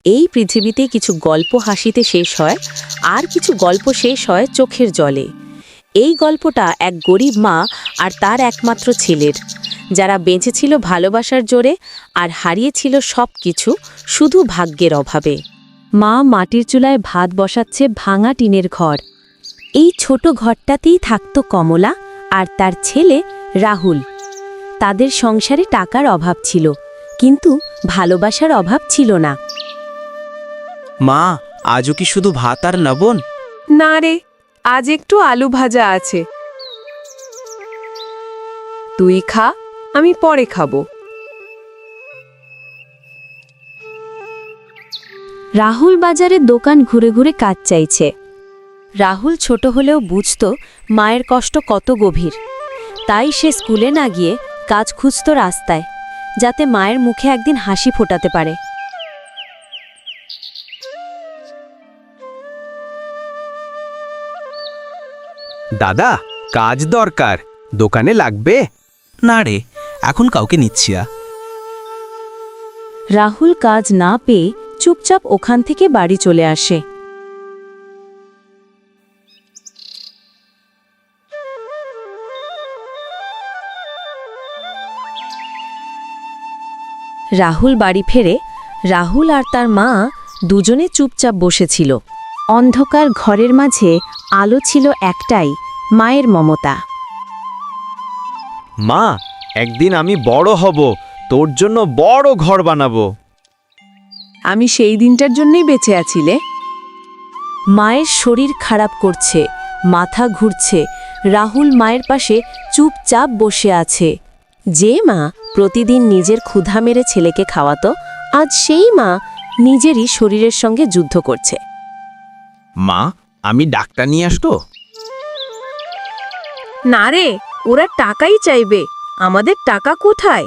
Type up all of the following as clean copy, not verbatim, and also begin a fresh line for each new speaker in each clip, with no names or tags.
এই পৃথিবীতে কিছু গল্প হাসিতে শেষ হয়, আর কিছু গল্প শেষ হয় চোখের জলে। এই গল্পটা এক গরিব মা আর তার একমাত্র ছেলের, যারা বেঁচেছিল ভালোবাসার জোরে আর হারিয়েছিল সব কিছু শুধু ভাগ্যের অভাবে। মা মাটির চুলায় ভাত বসাচ্ছে ভাঙা টিনের ঘর। এই ছোট ঘরটাতেই থাকত কমলা আর তার ছেলে রাহুল। তাদের সংসারে টাকার অভাব ছিল, কিন্তু ভালোবাসার অভাব ছিল না।
মা, আজও কি শুধু ভাত আর লবণ?
না রে, আজ একটু আলু ভাজা আছে। তুই খা, আমি পরে খাবো।
রাহুল বাজারে দোকান ঘুরে ঘুরে কাজ চাইছে। রাহুল ছোট হলেও বুঝত মায়ের কষ্ট কত গভীর। তাই সে স্কুলে না গিয়ে কাজ খুঁজত রাস্তায়, যাতে মায়ের মুখে একদিন হাসি ফোটাতে পারে।
দাদা, কাজ দরকার, দোকানে লাগবে?
না রে, এখন কাউকে নিচ্ছি না।
রাহুল কাজ না পেয়ে চুপচাপ ওখান থেকে বাড়ি চলে আসে। রাহুল বাড়ি ফেরে। রাহুল আর তার মা দুজনে চুপচাপ বসেছিল। অন্ধকার ঘরের মাঝে আলো ছিল একটাই, মায়ের মমতা।
মা, একদিন আমি বড় হব, তোর জন্য বড় ঘর বানাবো।
আমি সেই দিনটার জন্যই বেঁচে আছিলে।
মায়ের শরীর খারাপ করছে, মাথা ঘুরছে। রাহুল মায়ের পাশে চুপচাপ বসে আছে। যে মা প্রতিদিন নিজের ক্ষুধা মেরে ছেলেকে খাওয়াতো, আজ সেই মা নিজেরই শরীরের সঙ্গে যুদ্ধ করছে।
মা, আমি ডাক্তার নিয়ে আসতো?
না রে, ওরা টাকাই চাইবে, আমাদের টাকা কোথায়?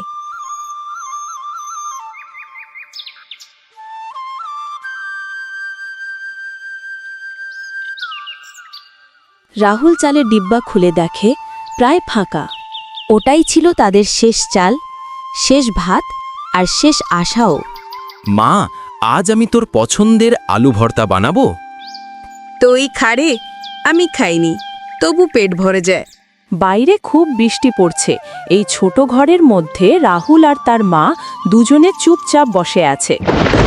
রাহুল চালের ডিব্বা খুলে দেখে প্রায় ফাঁকা। ওটাই ছিল তাদের শেষ চাল, শেষ ভাত আর শেষ আশাও।
মা, আজ আমি তোর পছন্দের আলু ভর্তা বানাবো।
তুই খারে, আমি খাইনি, তবু পেট ভরে যায়।
বাইরে খুব বৃষ্টি পড়ছে। এই ছোট ঘরের মধ্যে রাহুল আর তার মা দুজনে চুপচাপ বসে আছে।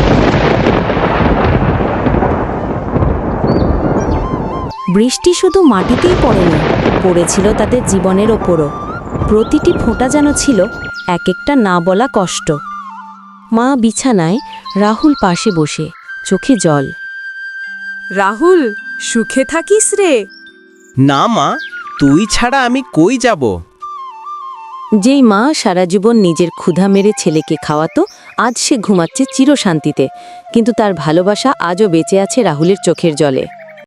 বৃষ্টি শুধু মাটিতেই পড়েনি, পড়েছিল তাদের জীবনের ওপরও। প্রতিটি ফোঁটা যেন ছিল এক একটা না বলা কষ্ট। মা বিছানায়, রাহুল পাশে বসে, চোখে জল।
রাহুল, সুখে থাকিস রে।
না মা, তুই ছাড়া আমি কই যাব?
যেই মা সারা জীবন নিজের ক্ষুধা মেরে ছেলেকে খাওয়াতো, আজ সে ঘুমাচ্ছে চিরশান্তিতে। কিন্তু তার ভালোবাসা আজও বেঁচে আছে রাহুলের চোখের জলে।